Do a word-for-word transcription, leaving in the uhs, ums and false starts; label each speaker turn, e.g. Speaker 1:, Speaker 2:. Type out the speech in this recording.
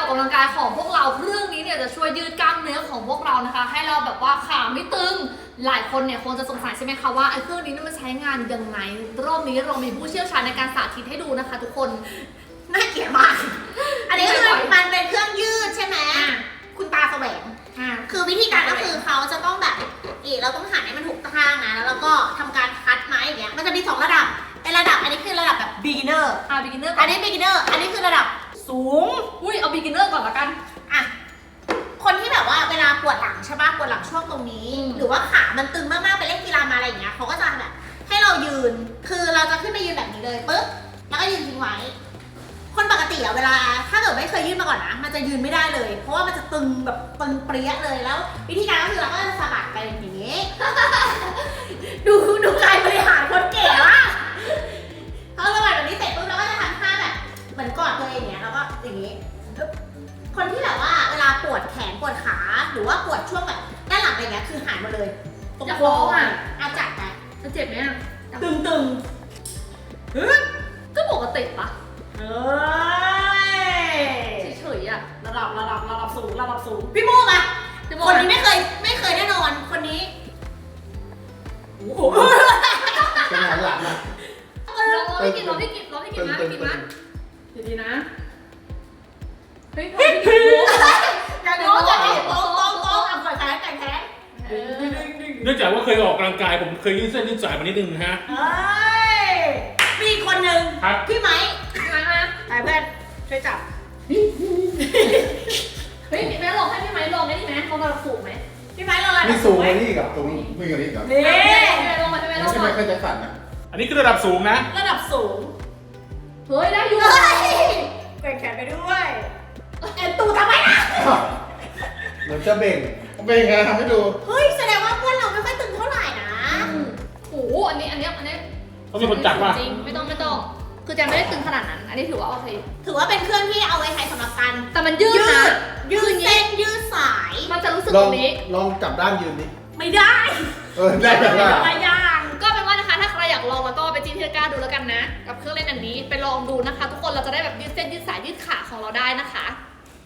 Speaker 1: กำลังกายของพวกเราเครื่องนี้เนี่ยจะช่วยยืดกล้ามเนื้อของพวกเรานะคะให้เราแบบว่าขาไม่ตึงหลายคนเนี่ยคงจะสงสัยใช่ไหมคะว่าไอ้เครื่องนี้มันใช้งานยังไงรอบนี้เรามีผู้เชี่ยวชาญในการสาธิตให้ดูนะคะทุกคน
Speaker 2: น่าเกลียดมากอันนี้คือมันเป็นเครื่องยืดใช่ไหมคุณตาแสวงคือวิธีการก็คือเขาจะต้องแบบอีกเราต้องหันให้มันถูกทางนะแล้วเราก็ทำการคัดไม้อย่างเงี้ยมันจะมีสองระดับเป็นระดับอันนี้คือระดับแบบ beginner
Speaker 1: อ่า beginner
Speaker 2: อันนี้ beginner อันนี้คือระดับสูง
Speaker 1: อุ้ยเอา beginner ก่อนละกัน
Speaker 2: อ่ะคนที่แบบว่าเวลาปวดหลังใช่ป่ะปวดหลังช่วงตรงนี้หรือว่าขามันตึงมากๆไปเล่นกีฬามาอะไรอย่างเงี้ยเขาก็จะแบบให้เรายืนคือเราจะขึ้นไปยืนแบบนี้เลยปึ๊บแล้วก็ยืนทิ้งไว้คนปกติอะเวลาถ้าเกิดไม่เคยยืนมาก่อนนะมันจะยืนไม่ได้เลยเพราะว่ามันจะตึงแบบตึงเปรี้ยเลยแล้ววิธีการก็คือเราก็จะสะบัดไปอย่างนี้ ดูดูการบริหารคนเก๋ว่ะพอสะบัดแบบนี้เสร็จปุ๊บเราก็จะทำท่าแบบเหมือนกอดตัวเองอย่างเงี้ยแล้วก็อย่างนี้คนที่แบบว่าเวลาปวดแขนปวดขาหรือว่าปวดช่วงแบบด้านหลังอะไรเงี้ยคือหายหมดเลย
Speaker 1: จะฟ้องอ่ะ
Speaker 2: อาจัดไป
Speaker 1: จะเจ็บไหมอ่ะ
Speaker 2: ตึงตึง
Speaker 1: ก็ปกติปะ
Speaker 2: เฮ้ย
Speaker 1: เฉยๆอ่ะ
Speaker 2: ระดับระดับระดับสูงระดับสูงพี่โม่มาคนนี้ไม่เคยไม่เคยแน่นอนคนนี้โอ้โห
Speaker 3: เป็นหลังหลังนะ
Speaker 1: ลองพี่กินลองพี่กินลองพี่กินนะพี่กินนะดีๆนะเฮ้ยพี่กิน
Speaker 2: อย่าโน้อย่าโน้โต๊ะโต๊ะโต๊ะอ่ะก่อนแขนก่อนแขน
Speaker 4: เนื่องจากว่าเคยออกกำลังกายผมเคยยืดเส้นยืดสายมานิดนึงนะฮะ
Speaker 2: เฮ้ยมีคนหนึ่งพี่ไม้
Speaker 1: พี่ไม้มา
Speaker 2: ไปเพื่อนช่วยจับ
Speaker 1: เฮ้ยแม่ลองให้พี่ไม้ลองได้ไหมลองระดับสูงไหม
Speaker 2: พี่ไม้ลองระดับ
Speaker 3: มีสูงกว่านี้กับตรงนี้มีกว่านี้กับ
Speaker 2: นี่
Speaker 1: พี่ไม้ลองมาพี่ไม้ลอง
Speaker 3: ไม่ใช่ไม่เคยจะสั่นนะ
Speaker 4: อันนี้คือระดับสูงนะ
Speaker 2: ระดับสูง
Speaker 1: เฮ้ยได้อยู่
Speaker 2: เบ่งแขนไปด้วยเอ็นตูทำไมนะ
Speaker 3: เหมือนจะเบ่งเบ่งไงทำให้ดู
Speaker 2: เฮ้ยแสดงว่าเพื่อนเราไม่ค่อยตึงเท่าไหร่นะ
Speaker 1: โอ้โหอันนี้อันนี้อันนี้
Speaker 4: ต้องมีคนจับว่า
Speaker 1: จริงไม่ต้องไม่ต้องคือจะไม่ได้ตึงขนาดนั้นอันนี้ถือว่าโอเค
Speaker 2: ถือว่าเป็นเครื่องที่เอาไว้ใช้สำหรับการ
Speaker 1: แต่มันยืดนะ
Speaker 2: ยืดเส้นยืดสาย
Speaker 1: มันจะรู้สึกตรงนี้
Speaker 3: ลองจับด้านยืนดิ
Speaker 2: ไม่ได้
Speaker 3: เออได้แบบว่า
Speaker 2: อะไรอย่าง
Speaker 1: ก็เป็นว่านะคะถ้าใครอยากลองแล้วก็ไปจีนที่ก้าดูแล้วกันนะกับเครื่องเล่นอันนี้ไปลองดูนะคะทุกคนเราจะได้แบบยืดเส้นยืดสายยืดขาของเราได้นะคะ